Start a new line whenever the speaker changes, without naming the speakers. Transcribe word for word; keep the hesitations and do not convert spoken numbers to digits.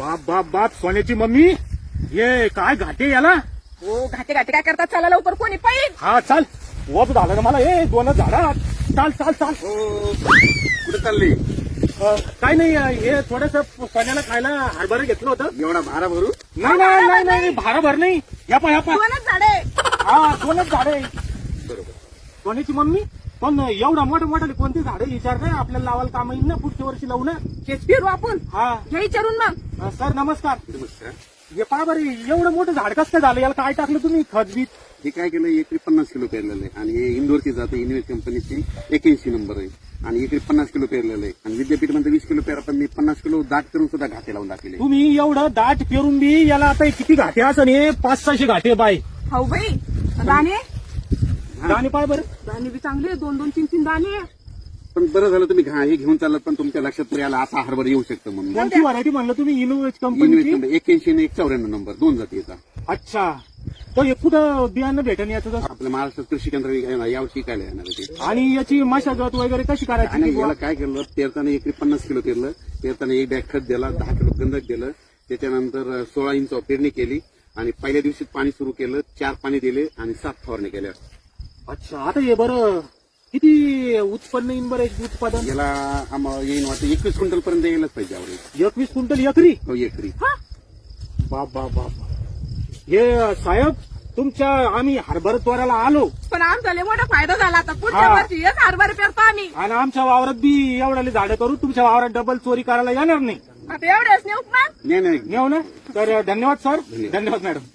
बाप बाप बाप सोन्याची मम्मी ये काय घाटे याला.
हो घाटे घाटे काय करतात, चला लवकर कोणी पाहिजे.
हा चाल वप झालं ना मला ए दोनच झाडात. चाल चाल चाल.
कुठे चालली?
अ, काय नाही हे थोडस सोन्याला खायला हरभरा घेतलं होतं.
एवढा भारा भरू?
नाही नाही नाही नाही भारा भर नाही. या पा या पा
दोनच झाडे.
हा दोनच झाडे.
बरोबर.
सोन्याची मम्मी पण एवढा मोठं मोठं कोणती झाडे विचार नाही आपल्याला लावायला काम येईल ना पुढच्या वर्षी लावू ना.
हेच फिरू आपण.
हा
घ्या विचारून मग.
अ, सर नमस्कार.
नमस्कार.
हे पहा बरं एवढं मोठं झाड कसं काय झालं, याला काय टाकलं तुम्ही खत बीत?
हे काय केलं, एकरी पन्नास किलो पेरलेलं आहे आणि हे इंदोरची जाते इन्व्हेस्ट कंपनीची एक्याऐंशी नंबर आहे आणि एकरी पन्नास किलो पेरलेलं आहे आणि विद्यापीठमध्ये वीस किलो पेरा, पण मी पन्नास किलो दाट करून सुद्धा घाटे लावून टाकले.
तुम्ही एवढं दाट पेरून बी याला आता किती घाटे असं हे पाच सहाशे घाटे बाय.
हो बाई दाणे.
दाणे पाय बरं.
दाणे बी चांगले, दोन दोन तीन तीन दाणे.
पण बरं झालं तुम्ही घा हे घेऊन चालत, पण तुमच्या लक्षात तरी आला असा हरभरा येऊ शकतो म्हणून.
कोणती व्हरायटी म्हणलं तुम्ही इनोवेट कंपनीची?
इन्व्हेस्ट एक्याऐंशी आणि एक चौऱ्याण्णव नंबर दोन जातीचा.
अच्छा तो हे कुठं बियाणं भेटेल याचं?
आपल्या महाराष्ट्रात कृषी केंद्र यावर्षी काय येणार आहे ते.
आणि याची मशागत वगैरे कशी
आणि
करायची?
याला काय केलं, पेरताना एकरी पन्नास किलो पेरलं, पेरताना एक बॅग खत दिला, दहा किलो गंधक दिलं, त्याच्यानंतर सोळा इंच पेरणी केली आणि पहिल्या दिवशी पाणी सुरू केलं, चार पाणी दिले आणि सात फवारणी केल्या.
अच्छा आता हे बरं किती उत्पन्न येईन बरं याचं उत्पादन?
याला आम्हाला येईन वाटतं एकवीस क्विंटल पर्यंत यायलाच पाहिजे आवडेल.
एकवीस क्विंटल एकरी?
हो एकरी.
बाप बाप बाप. हे साहेब तुमच्या आम्ही हरभरा त्वराला आलो
पण आमचा लय मोठा फायदा झाला. आता पुढच्या
हा.
वर्षी हेच हरभरे पेरतो आम्ही.
आणि आमच्या वावरात बी एवढ्याले झाडं करू, तुमच्या वावरात डबल चोरी करायला येणार नाही.
आता एवढेच नेऊ मग.
नाही नाही
नेऊ ना. तर धन्यवाद सर.
धन्यवाद.
धन्यवाद मॅडम.